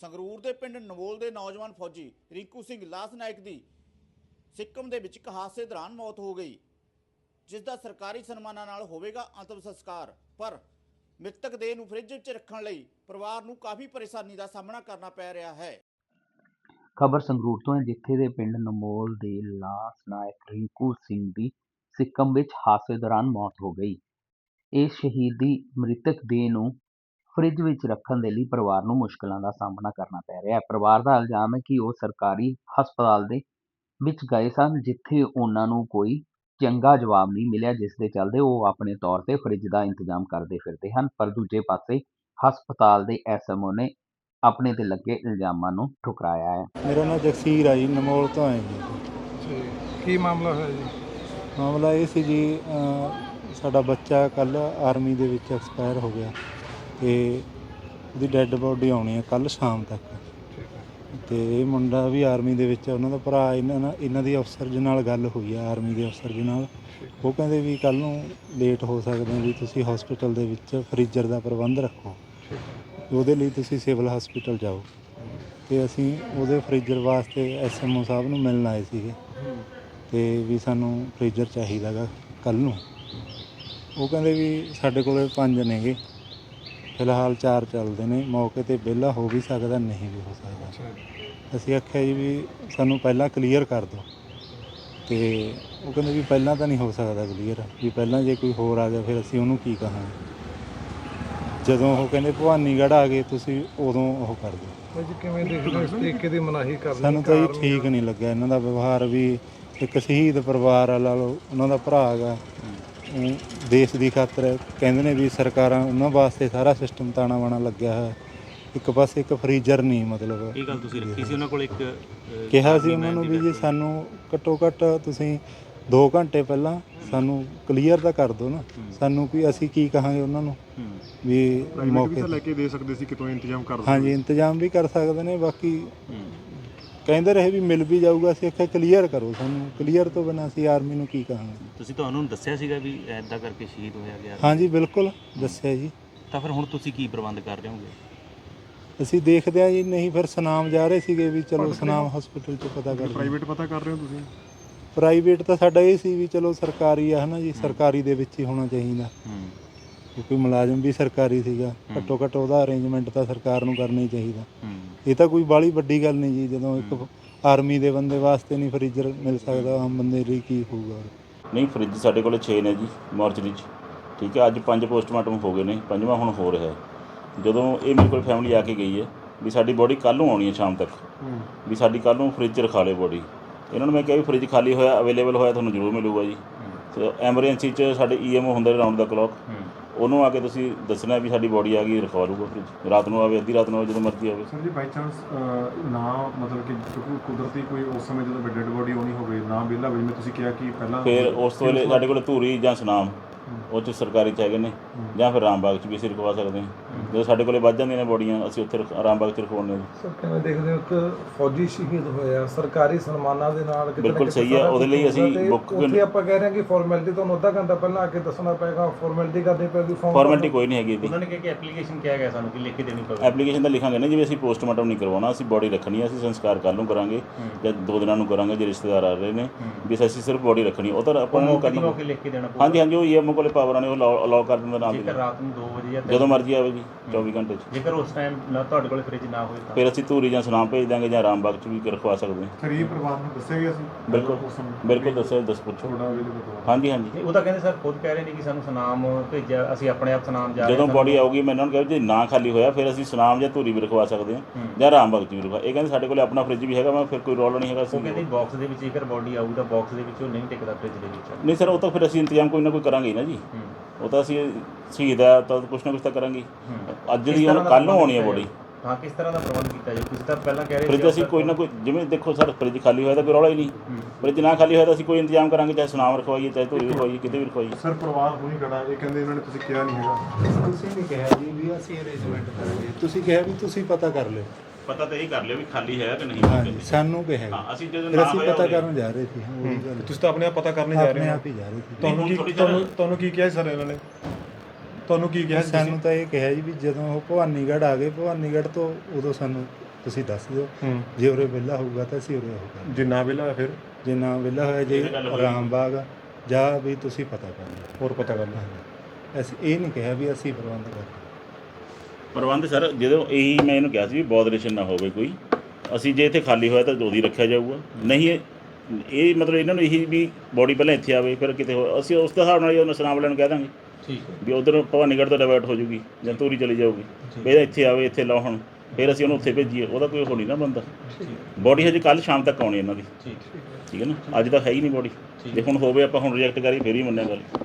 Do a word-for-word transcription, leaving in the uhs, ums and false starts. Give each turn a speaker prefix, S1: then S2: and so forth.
S1: ਸੰਗਰੂਰ ਦੇ ਪਿੰਡ ਨਵੋਲ ਦੇ ਨੌਜਵਾਨ ਫੌਜੀ ਰਿੰਕੂ ਸਿੰਘ ਲਾਸ ਨਾਇਕ ਦੀ ਸਿੱਕਮ ਦੇ ਵਿੱਚ ਇੱਕ ਹਾਦਸੇ ਦੌਰਾਨ ਮੌਤ ਹੋ ਗਈ, ਜਿਸ ਦਾ ਸਰਕਾਰੀ ਸਨਮਾਨਾਂ ਨਾਲ ਹੋਵੇਗਾ ਅੰਤਿਮ ਸੰਸਕਾਰ। ਪਰ ਮ੍ਰਿਤਕ ਦੇਹ ਨੂੰ ਫ੍ਰਿਜ ਵਿੱਚ ਰੱਖਣ ਲਈ ਪਰਿਵਾਰ ਨੂੰ ਕਾਫੀ ਪਰੇਸ਼ਾਨੀ ਦਾ ਸਾਹਮਣਾ ਕਰਨਾ ਪੈ ਰਿਹਾ ਹੈ।
S2: ਖਬਰ ਸੰਗਰੂਰ ਤੋਂ ਹੈ, ਜਿੱਥੇ ਦੇ ਪਿੰਡ ਨਮੋਲ ਦੇ ਲਾਸ ਨਾਇਕ ਰਿੰਕੂ ਸਿੰਘ ਦੀ ਸਿੱਕਮ ਵਿੱਚ ਹਾਦਸੇ ਦੌਰਾਨ ਮੌਤ ਹੋ ਗਈ। ਇਹ ਸ਼ਹੀਦੀ ਮ੍ਰਿਤਕ ਦੇਹ ਨੂੰ ਫ੍ਰਿਜ ਵਿੱਚ ਰੱਖਣ ਦੇ ਲਈ ਪਰਿਵਾਰ ਨੂੰ ਮੁਸ਼ਕਲਾਂ ਦਾ ਸਾਹਮਣਾ ਕਰਨਾ ਪੈ ਰਿਹਾ ਹੈ। ਪਰਿਵਾਰ ਦਾ ਇਲਜ਼ਾਮ ਹੈ ਕਿ ਉਹ ਸਰਕਾਰੀ ਹਸਪਤਾਲ ਦੇ ਵਿੱਚ ਗਏ ਸਨ, ਜਿੱਥੇ ਉਹਨਾਂ ਨੂੰ ਕੋਈ ਚੰਗਾ ਜਵਾਬ ਨਹੀਂ ਮਿਲਿਆ, ਜਿਸ ਦੇ ਚੱਲਦੇ ਉਹ ਆਪਣੇ ਤੌਰ ਤੇ ਫ੍ਰਿਜ ਦਾ ਇੰਤਜ਼ਾਮ ਕਰਦੇ ਫਿਰਦੇ ਹਨ। ਪਰ ਦੂਜੇ ਪਾਸੇ ਹਸਪਤਾਲ ਦੇ ਐਸ ਐਮ ਓ ਨੇ ਆਪਣੇ ਤੇ ਲੱਗੇ ਇਲਜ਼ਾਮਾਂ ਨੂੰ ਠੁਕਰਾਇਆ ਹੈ।
S3: ਮੇਰਾ ਨਾਮ ਜਗਸੀਰ ਆ ਜੀ, ਨਮੋਲ ਤੋਂ ਆਏ ਜੀ।
S4: ਜੀ ਕੀ ਮਾਮਲਾ ਹੋਇਆ ਜੀ?
S3: ਮਾਮਲਾ ਇਹ ਸੀ ਜੀ, ਸਾਡਾ ਬੱਚਾ ਕੱਲ੍ਹ ਆਰਮੀ ਦੇ ਵਿੱਚ ਐਕਸਪਾਇਰ ਹੋ ਗਿਆ ਅਤੇ ਉਹਦੀ ਡੈੱਡ ਬੋਡੀ ਆਉਣੀ ਹੈ ਕੱਲ੍ਹ ਸ਼ਾਮ ਤੱਕ। ਅਤੇ ਇਹ ਮੁੰਡਾ ਵੀ ਆਰਮੀ ਦੇ ਵਿੱਚ, ਉਹਨਾਂ ਦਾ ਭਰਾ, ਇਹਨਾਂ ਨਾਲ ਇਹਨਾਂ ਦੀ ਅਫਸਰ ਜੀ ਨਾਲ ਗੱਲ ਹੋਈ ਆ, ਆਰਮੀ ਦੇ ਅਫਸਰ ਜੀ ਨਾਲ। ਉਹ ਕਹਿੰਦੇ ਵੀ ਕੱਲ੍ਹ ਨੂੰ ਲੇਟ ਹੋ ਸਕਦੇ ਵੀ ਤੁਸੀਂ ਹਸਪੀਟਲ ਦੇ ਵਿੱਚ ਫਰੀਜ਼ਰ ਦਾ ਪ੍ਰਬੰਧ ਰੱਖੋ, ਉਹਦੇ ਲਈ ਤੁਸੀਂ ਸਿਵਲ ਹਸਪੀਟਲ ਜਾਓ। ਅਤੇ ਅਸੀਂ ਉਹਦੇ ਫਰੀਜ਼ਰ ਵਾਸਤੇ ਐਸ ਐਮ ਓ ਸਾਹਿਬ ਨੂੰ ਮਿਲਣ ਆਏ ਸੀਗੇ, ਅਤੇ ਵੀ ਸਾਨੂੰ ਫਰੀਜ਼ਰ ਚਾਹੀਦਾ ਗਾ ਕੱਲ੍ਹ ਨੂੰ। ਉਹ ਕਹਿੰਦੇ ਵੀ ਸਾਡੇ ਕੋਲ ਪੰਜ ਨੇਗੇ, ਫਿਲਹਾਲ ਚਾਰ ਚੱਲਦੇ ਨੇ, ਮੌਕੇ 'ਤੇ ਵਿਹਲਾ ਹੋ ਵੀ ਸਕਦਾ, ਨਹੀਂ ਵੀ ਹੋ ਸਕਦਾ। ਅਸੀਂ ਆਖਿਆ ਜੀ ਵੀ ਸਾਨੂੰ ਪਹਿਲਾਂ ਕਲੀਅਰ ਕਰ ਦਿਓ, ਅਤੇ ਉਹ ਕਹਿੰਦੇ ਵੀ ਪਹਿਲਾਂ ਤਾਂ ਨਹੀਂ ਹੋ ਸਕਦਾ ਕਲੀਅਰ, ਵੀ ਪਹਿਲਾਂ ਜੇ ਕੋਈ ਹੋਰ ਆ ਗਿਆ ਫਿਰ ਅਸੀਂ ਉਹਨੂੰ ਕੀ ਕਹਾਂਗੇ। ਜਦੋਂ ਉਹ ਕਹਿੰਦੇ ਭਵਾਨੀਗੜ੍ਹ ਆ ਗਏ ਤੁਸੀਂ, ਉਦੋਂ ਉਹ ਕਰ ਦਿਓ।
S4: ਜੀ ਕਿਵੇਂ ਦੇਖਦੇ ਹੋ ਇਸ ਤਰੀਕੇ ਦੀ ਮਨਾਹੀ ਕਰਨੀ?
S3: ਸਾਨੂੰ ਤਾਂ ਜੀ ਠੀਕ ਨਹੀਂ ਲੱਗਿਆ ਇਹਨਾਂ ਦਾ ਵਿਵਹਾਰ। ਵੀ ਇੱਕ ਸ਼ਹੀਦ ਪਰਿਵਾਰ ਆ, ਲਾ ਲਓ, ਉਹਨਾਂ ਦਾ ਭਰਾ ਹੈਗਾ, ਦੇਸ਼ ਦੀ ਖਾਤਰ ਕਹਿੰਦੇ ਨੇ ਵੀ ਸਰਕਾਰਾਂ ਉਹਨਾਂ ਵਾਸਤੇ ਸਾਰਾ ਸਿਸਟਮ ਤਾਣਾ ਬਾਣਾ ਲੱਗਿਆ ਹੋਇਆ, ਇੱਕ ਪਾਸੇ ਇੱਕ ਫਰੀਜ਼ਰ ਨਹੀਂ। ਮਤਲਬ
S5: ਇਹ ਗੱਲ ਤੁਸੀਂ ਰੱਖੀ ਸੀ ਉਹਨਾਂ ਕੋਲ? ਇੱਕ
S3: ਕਿਹਾ ਸੀ ਉਹਨਾਂ ਨੂੰ ਵੀ ਜੀ ਸਾਨੂੰ ਘੱਟੋ ਘੱਟ ਤੁਸੀਂ ਦੋ ਘੰਟੇ ਪਹਿਲਾਂ ਸਾਨੂੰ ਕਲੀਅਰ ਤਾਂ ਕਰ ਦਿਓ ਨਾ, ਸਾਨੂੰ ਵੀ ਅਸੀਂ ਕੀ ਕਹਾਂਗੇ ਉਹਨਾਂ ਨੂੰ ਵੀ ਮੌਕੇ
S4: ਲੈ ਕੇ ਦੇ ਸਕਦੇ ਸੀ, ਕਿਤੋਂ ਇੰਤਜ਼ਾਮ ਕਰ?
S3: ਹਾਂਜੀ, ਇੰਤਜ਼ਾਮ ਵੀ ਕਰ ਸਕਦੇ ਨੇ। ਬਾਕੀ ਕਹਿੰਦੇ ਰਹੇ ਵੀ ਮਿਲ ਵੀ ਜਾਊਗਾ, ਅਸੀਂ ਆਖਿਆ ਕਲੀਅਰ ਕਰੋ ਸਾਨੂੰ, ਕਲੀਅਰ ਤੋਂ ਬਿਨਾਂ ਅਸੀਂ ਆਰਮੀ ਨੂੰ ਕੀ ਕਹਾਂਗੇ।
S5: ਤੁਸੀਂ ਤੁਹਾਨੂੰ ਦੱਸਿਆ ਸੀਗਾ ਵੀ ਐਦਾਂ ਕਰਕੇ ਸ਼ਹੀਦ ਹੋਇਆ ਗਿਆ?
S3: ਹਾਂਜੀ ਬਿਲਕੁਲ ਦੱਸਿਆ ਜੀ।
S5: ਤਾਂ ਫਿਰ ਹੁਣ ਤੁਸੀਂ ਕੀ ਪ੍ਰਬੰਧ ਕਰ ਰਹੇ ਹੋਗੇ?
S3: ਅਸੀਂ ਦੇਖਦੇ ਹਾਂ ਜੀ, ਨਹੀਂ ਫਿਰ ਸੁਨਾਮ ਜਾ ਰਹੇ ਸੀਗੇ ਵੀ ਚਲੋ ਸੁਨਾਮ ਹਸਪੀਟਲ 'ਚ ਪਤਾ ਕਰ।
S4: ਪ੍ਰਾਈਵੇਟ ਪਤਾ ਕਰ ਰਹੇ ਹੋ ਤੁਸੀਂ?
S3: ਪ੍ਰਾਈਵੇਟ ਤਾਂ ਸਾਡਾ ਇਹ ਸੀ ਵੀ ਚਲੋ ਸਰਕਾਰੀ ਆ, ਹੈ ਨਾ ਜੀ, ਸਰਕਾਰੀ ਦੇ ਵਿੱਚ ਹੀ ਹੋਣਾ ਚਾਹੀਦਾ, ਕਿਉਂਕਿ ਮੁਲਾਜ਼ਮ ਵੀ ਸਰਕਾਰੀ ਸੀਗਾ। ਘੱਟੋ ਘੱਟ ਉਹਦਾ ਅਰੇਂਜਮੈਂਟ ਤਾਂ ਸਰਕਾਰ ਨੂੰ ਕਰਨਾ ਹੀ ਚਾਹੀਦਾ। ਇਹ ਤਾਂ ਕੋਈ ਬਾਹਲੀ ਵੱਡੀ ਗੱਲ ਨਹੀਂ ਜੀ, ਜਦੋਂ ਇੱਕ ਆਰਮੀ ਦੇ ਬੰਦੇ ਵਾਸਤੇ ਨਹੀਂ ਫਰੀਜ਼ਰ ਮਿਲ ਸਕਦਾ, ਆਮ ਬੰਦੇ ਲਈ ਕੀ ਹੋਊਗਾ।
S6: ਨਹੀਂ, ਫਰਿੱਜ ਸਾਡੇ ਕੋਲ ਛੇ ਨੇ ਜੀ ਮੋਰਚਰੀ 'ਚ, ਠੀਕ ਹੈ। ਅੱਜ ਪੰਜ ਪੋਸਟਮਾਰਟਮ ਹੋ ਗਏ ਨੇ, ਪੰਜਵਾਂ ਹੁਣ ਹੋ ਰਿਹਾ। ਜਦੋਂ ਇਹ ਮੇਰੇ ਕੋਲ ਫੈਮਿਲੀ ਆ ਕੇ ਗਈ ਹੈ ਵੀ ਸਾਡੀ ਬੋਡੀ ਕੱਲ੍ਹ ਨੂੰ ਆਉਣੀ ਹੈ ਸ਼ਾਮ ਤੱਕ, ਵੀ ਸਾਡੀ ਕੱਲ੍ਹ ਨੂੰ ਫਰਿੱਜ 'ਚ ਰਖਾ ਲਿਓ ਬੋਡੀ। ਇਹਨਾਂ ਨੂੰ ਮੈਂ ਕਿਹਾ ਵੀ ਫਰਿੱਜ ਖਾਲੀ ਹੋਇਆ, ਅਵੇਲੇਬਲ ਹੋਇਆ ਤੁਹਾਨੂੰ ਜ਼ਰੂਰ ਮਿਲੂਗਾ ਜੀ। ਅਤੇ ਐਮਰਜੈਂਸੀ 'ਚ ਸਾਡੇ ਈ ਐਮ ਓ ਹੁੰਦੇ ਰਾਊਂਡ ਦਾ ਕਲੋਕ, ਉਹਨੂੰ ਆ ਕੇ ਤੁਸੀਂ ਦੱਸਣਾ ਵੀ ਸਾਡੀ ਬੋਡੀ ਆ ਗਈ, ਰਖਵਾ ਲੂਗਾ ਫਰਿੱਜ। ਰਾਤ ਨੂੰ ਆਵੇ, ਅੱਧੀ ਰਾਤ ਨੂੰ ਆਵੇ, ਜਦੋਂ ਮਰਜ਼ੀ ਆਵੇ।
S4: ਸਰ ਜੀ ਬਾਈ ਚਾਂਸ ਨਾ, ਮਤਲਬ ਕਿ ਕੁਦਰਤੀ ਕੋਈ ਉਸ ਸਮੇਂ ਜਦੋਂ ਡੈਡ ਬੋਡੀ ਆਉਣੀ ਹੋਵੇ ਨਾ ਵਿਹਲਾ ਹੋਵੇ, ਜਿਵੇਂ ਤੁਸੀਂ ਕਿਹਾ ਕਿ ਪਹਿਲਾਂ, ਫਿਰ
S6: ਉਸ ਤੋਂ ਵੇਲੇ ਸਾਡੇ ਕੋਲ ਧੂਰੀ ਜਾਂ ਸੁਨਾਮ ਉਹ 'ਚ ਸਰਕਾਰੀ 'ਚ ਹੈਗੇ ਨੇ, ਜਾਂ ਫਿਰ ਰਾਮਬਾਗ 'ਚ ਵੀ ਅਸੀਂ ਰਖਵਾ ਸਕਦੇ ਹਾਂ। ਜਦੋਂ ਸਾਡੇ ਕੋਲੇ ਵੱਧ ਜਾਂਦੀਆਂ ਨੇ ਬੋਡੀਆਂ, ਅਸੀਂ ਉੱਥੇ ਰਾਮਬਾਗ 'ਚ ਰਖਵਾਉਂਦੇ ਹਾਂ।
S4: ਸਰ ਕਿਵੇਂ ਦੇਖਦੇ ਹੋ ਇੱਕ ਫੌਜੀ ਸ਼ਹੀਦ ਹੋਇਆ ਸਰਕਾਰੀ ਸਨਮਾਨਾਂ ਦੇ ਨਾਲ?
S6: ਬਿਲਕੁਲ ਸਹੀ ਹੈ, ਉਹਦੇ ਲਈ ਅਸੀਂ ਬੁੱਕ,
S4: ਉੱਥੇ ਆਪਾਂ ਕਹਿ ਰਹੇ ਹਾਂ ਕਿ ਫਾਰਮੈਲਿਟੀ ਤੁਹਾਨੂੰ ਅੱਧਾ ਘੰਟਾ ਪਹਿਲਾਂ ਆ ਕੇ ਦੱਸਣਾ ਪਏਗਾ, ਫਾਰਮੈਲਿਟੀ ਕਰਨੀ ਪਏਗੀ।
S6: ਫਾਰਮੈਲਿਟੀ ਕੋਈ ਨਹੀਂ ਹੈਗੀ।
S5: ਉਹਨਾਂ ਨੇ ਕਿਹਾ ਕਿ ਐਪਲੀਕੇਸ਼ਨ ਕਿਹਾ ਗਿਆ ਸਾਨੂੰ ਕਿ ਲਿਖ ਕੇ ਦੇਣੀ ਪਵੇਗੀ।
S6: ਐਪਲੀਕੇਸ਼ਨ ਤਾਂ ਲਿਖਾਂਗੇ ਨਾ, ਜਿਵੇਂ ਅਸੀਂ ਪੋਸਟਮਾਰਟਮ ਨਹੀਂ ਕਰਵਾਉਣਾ, ਅਸੀਂ ਬੋਡੀ ਰੱਖਣੀ ਹੈ, ਅਸੀਂ ਸੰਸਕਾਰ ਕੱਲ੍ਹ ਨੂੰ ਕਰਾਂਗੇ ਜਾਂ ਦੋ ਦਿਨਾਂ ਨੂੰ ਕਰਾਂਗੇ ਜੇ ਰਿਸ਼ਤੇਦਾਰ ਆ ਰਹੇ ਨੇ, ਵੀ ਅਸੀਂ ਸਿਰਫ ਬੋਡੀ ਰੱਖਣੀ। ਉਹ ਤਾਂ ਆਪਾਂ ਨੂੰ ਕਰਨਾ,
S5: ਲਿਖ ਕੇ ਦੇਣਾ ਪਊਗਾ।
S6: ਹਾਂਜੀ ਹਾਂਜੀ, ਉਹ ਈ ਐਮ ਓ ਕੋਲੇ ਪਾਵਰਾਂ ਨੇ, ਉਹ ਅਲਾਓ ਕਰ ਦਿੰਦਾ ਨਾਲ।
S5: ਜੇਕਰ ਰਾਤ ਨੂੰ ਦੋ ਵਜੇ ਜਾਂ
S6: ਜਦੋਂ ਮਰਜ਼ੀ ਆਵੇ ਜੀ, ਚੌਵੀ ਘੰਟੇ 'ਚ।
S5: ਜੇਕਰ ਉਸ ਟਾਈਮ ਤੁਹਾਡੇ ਕੋਲ ਫ੍ਰਿਜ ਨਾ ਹੋਵੇ ਤਾਂ
S6: ਫਿਰ ਅਸੀਂ ਧੂਰੀ ਜਾਂ ਸੁਨਾਮ ਭੇਜ ਦਾਂਗੇ, ਜਾਂ ਰਾਮਬਾਗ 'ਚ ਵੀ ਰਖਵਾ ਸਕਦੇ ਹਾਂ।
S4: ਗਰੀਬ ਪਰਿਵਾਰ ਨੂੰ ਦੱਸਿਆ ਗਿਆ ਸੀ?
S6: ਬਿਲਕੁਲ ਬਿਲਕੁਲ ਦੱਸਿਓ, ਦੱਸ ਪੁੱਛੋ। ਹਾਂਜੀ ਹਾਂਜੀ,
S5: ਉਹ ਤਾਂ ਕਹਿੰਦੇ ਸਰ ਖੁਦ ਕਹਿ ਰਹੇ ਨੇ ਕਿ ਸਾਨੂੰ ਸੁਨਾਮ ਭੇਜਿਆ, ਅਸੀਂ ਆਪਣੇ ਆਪ ਸੁਨਾਮ ਜਾ ਰਹੇ।
S6: ਜਦੋਂ ਬੋਡੀ ਆਊਗੀ ਮੈਂ ਇਹਨਾਂ ਨੂੰ ਕਿਹਾ ਜੇ ਨਾ ਖਾਲੀ ਹੋਇਆ ਫਿਰ ਅਸੀਂ ਸੁਨਾਮ ਜਾਂ ਧੂਰੀ ਵੀ ਰਖਵਾ ਸਕਦੇ ਹਾਂ, ਜਾਂ ਰਾਮਬਾਗ 'ਚ ਵੀ ਰਖਵਾ। ਇਹ ਕਹਿੰਦੇ ਸਾਡੇ ਕੋਲ ਆਪਣਾ ਫਰਿੱਜ ਵੀ ਹੈਗਾ। ਮੈਂ ਫਿਰ ਕੋਈ ਰੌਲਾ ਨਹੀਂ ਹੈਗਾ।
S5: ਉਹ ਕਹਿੰਦੇ ਬਾਕਸ ਦੇ ਵਿੱਚ ਜੇਕਰ ਬੋਡੀ ਆਊ ਤਾਂ ਬਾਕਸ ਦੇ ਵਿੱਚ ਉਹ ਨਹੀਂ ਟਿਕਦਾ ਫਰਿੱਜ ਦੇ ਵਿੱਚ।
S6: ਨਹੀਂ ਸਰ, ਉਹ ਤਾਂ ਫਿਰ ਅਸੀਂ ਇੰਤਜ਼ਾਮ ਕੋਈ ਨਾ ਕੋਈ ਕਰਾਂਗੇ ਨਾ ਜੀ। ਉਹ ਤਾਂ ਅਸੀਂ ਸ਼ਹੀਦ ਹੈ ਤਾਂ ਕੁਛ ਨਾ ਕੁਛ ਤਾਂ ਕਰਾਂਗੇ। ਅੱਜ ਦੀ ਹੁਣ ਕੱਲ੍ਹ ਨੂੰ ਆਉਣੀ ਹੈ ਬੋਡੀ।
S5: ਹਾਂ, ਕਿਸ ਤਰ੍ਹਾਂ ਦਾ ਪ੍ਰਬੰਧ ਕੀਤਾ ਜੀ? ਤੁਸੀਂ ਤਾਂ ਪਹਿਲਾਂ ਕਹਿ ਰਹੇ
S6: ਫਰਿੱਜ ਅਸੀਂ ਕੋਈ ਨਾ ਕੋਈ, ਜਿਵੇਂ ਦੇਖੋ ਸਰ, ਫਰਿੱਜ ਖਾਲੀ ਹੋਇਆ ਤਾਂ ਕੋਈ ਰੌਲਾ ਹੀ ਨਹੀਂ। ਫਰਿੱਜ ਨਾ ਖਾਲੀ ਹੋਇਆ ਤਾਂ ਅਸੀਂ ਕੋਈ ਇੰਤਜ਼ਾਮ ਕਰਾਂਗੇ, ਚਾਹੇ ਸੁਨਾਮ ਰਖਵਾਈਏ, ਚਾਹੇ ਧੂਰੀ ਰਖਵਾਈਏ, ਕਿਤੇ ਵੀ ਰਖਵਾਈਏ।
S4: ਸਰ ਪਰਿਵਾਰ ਹੁਣੀ ਖੜਾ, ਇਹ ਕਹਿੰਦੇ ਇਹਨਾਂ ਨੇ ਤੁਸੀਂ ਕਿਹਾ ਨਹੀਂ ਹੈਗਾ।
S3: ਤੁਸੀਂ ਨਹੀਂ ਕਿਹਾ ਜੀ ਵੀ ਅਸੀਂ ਅਰੇਂਜਮੈਂਟ ਕਰਾਂਗੇ, ਤੁਸੀਂ ਕਿਹਾ ਵੀ ਤੁਸੀਂ ਪਤਾ ਕਰ ਲਿਓ।
S6: ਪਤਾ ਤਾਂ ਇਹ ਕਰ ਲਿਓ ਵੀ ਖਾਲੀ ਹੈ ਕਿ ਨਹੀਂ।
S3: ਹਾਂਜੀ, ਸਾਨੂੰ ਕਿਹਾ।
S6: ਹਾਂ, ਅਸੀਂ ਜਦੋਂ
S3: ਫਿਰ ਅਸੀਂ ਪਤਾ ਕਰਨ ਜਾ ਰਹੇ ਸੀ। ਉਹੀ ਗੱਲ,
S4: ਤੁਸੀਂ ਤਾਂ ਆਪਣੇ ਆਪ ਪਤਾ ਕਰਨੇ ਜਾ ਰਹੇ
S3: ਆਪਣੇ
S4: ਹੋ।
S3: ਆਪ ਹੀ ਜਾ ਰਹੇ ਸੀ।
S4: ਤੁਹਾਨੂੰ ਕੀ ਤੁਹਾਨੂੰ ਤੁਹਾਨੂੰ ਕੀ ਕਿਹਾ ਸਰ ਇਹਨਾਂ ਨੇ? ਤੁਹਾਨੂੰ ਕੀ ਕਿਹਾ?
S3: ਸਾਨੂੰ ਤਾਂ ਇਹ ਕਿਹਾ ਜੀ ਵੀ ਜਦੋਂ ਉਹ ਭਵਾਨੀਗੜ੍ਹ ਆ ਗਏ, ਭਵਾਨੀਗੜ੍ਹ ਤੋਂ ਉਦੋਂ ਸਾਨੂੰ ਤੁਸੀਂ ਦੱਸ ਦਿਓ,
S4: ਹੂੰ
S3: ਜੇ ਉਰੇ ਵਿਹਲਾ ਹੋਊਗਾ ਤਾਂ ਅਸੀਂ ਉਰੇ ਹੋਊਗਾ,
S4: ਜੇ ਨਾ ਵਿਹਲਾ ਹੋਇਆ ਫਿਰ
S3: ਜੇ ਨਾ ਵਿਹਲਾ ਹੋਇਆ ਜੇ
S6: ਇਹ ਤਾਂ ਗੱਲ ਹੋਈ।
S3: ਰਾਮਬਾਗ ਆ, ਜਾਂ ਵੀ ਤੁਸੀਂ ਪਤਾ ਕਰ ਲਓ।
S4: ਹੋਰ ਪਤਾ ਕਰ ਲਓ।
S3: ਹਾਂਜੀ, ਅਸੀਂ ਇਹ ਨਹੀਂ ਕਿਹਾ ਵੀ ਅਸੀਂ ਪ੍ਰਬੰਧ ਕਰ
S6: ਪ੍ਰਬੰਧ ਸਰ ਜਦੋਂ ਇਹੀ ਮੈਂ ਇਹਨੂੰ ਕਿਹਾ ਸੀ ਵੀ ਬੋਦਰੇਸ਼ਨ ਨਾ ਹੋਵੇ ਕੋਈ, ਅਸੀਂ ਜੇ ਇੱਥੇ ਖਾਲੀ ਹੋਇਆ ਤਾਂ ਉਹਦੀ ਰੱਖਿਆ ਜਾਊਗਾ, ਨਹੀਂ ਇਹ ਇਹ ਮਤਲਬ ਇਹਨਾਂ ਨੂੰ ਇਹੀ ਵੀ ਬੋਡੀ ਪਹਿਲਾਂ ਇੱਥੇ ਆਵੇ ਫਿਰ ਕਿਤੇ ਹੋਰ, ਅਸੀਂ ਉਸ ਦੇ ਹਿਸਾਬ ਨਾਲ ਹੀ ਉਹਨਾਂ ਸਨਾਮ ਵਾਲਿਆਂ ਨੂੰ ਕਹਿ ਦਾਂਗੇ
S4: ਠੀਕ ਹੈ
S6: ਵੀ ਉਧਰ ਭਵਾਨੀਗੜ੍ਹ ਤੋਂ ਡਾਇਵਰਟ ਹੋ ਜੂਗੀ ਜਾਂ ਧੂਰੀ ਚਲੀ ਜਾਊਗੀ, ਵੀ ਇਹਦਾ ਇੱਥੇ ਆਵੇ ਇੱਥੇ ਲਾਉਣ, ਫਿਰ ਅਸੀਂ ਉਹਨੂੰ ਉੱਥੇ ਭੇਜੀਏ, ਉਹਦਾ ਕੋਈ ਹੋ ਨਹੀਂ ਨਾ ਬੰਦਾ। ਬੋਡੀ ਹਜੇ ਕੱਲ੍ਹ ਸ਼ਾਮ ਤੱਕ ਆਉਣੀ ਇਹਨਾਂ ਦੀ,
S4: ਠੀਕ
S6: ਠੀਕ ਹੈ ਨਾ, ਅੱਜ ਤਾਂ ਹੈ ਹੀ ਨਹੀਂ ਬੋਡੀ, ਜੇ ਹੁਣ ਹੋਵੇ ਆਪਾਂ ਹੁਣ ਰਿਜੈਕਟ ਕਰੀ ਫਿਰ ਹੀ ਮੰਨਿਆ ਗੱਲ।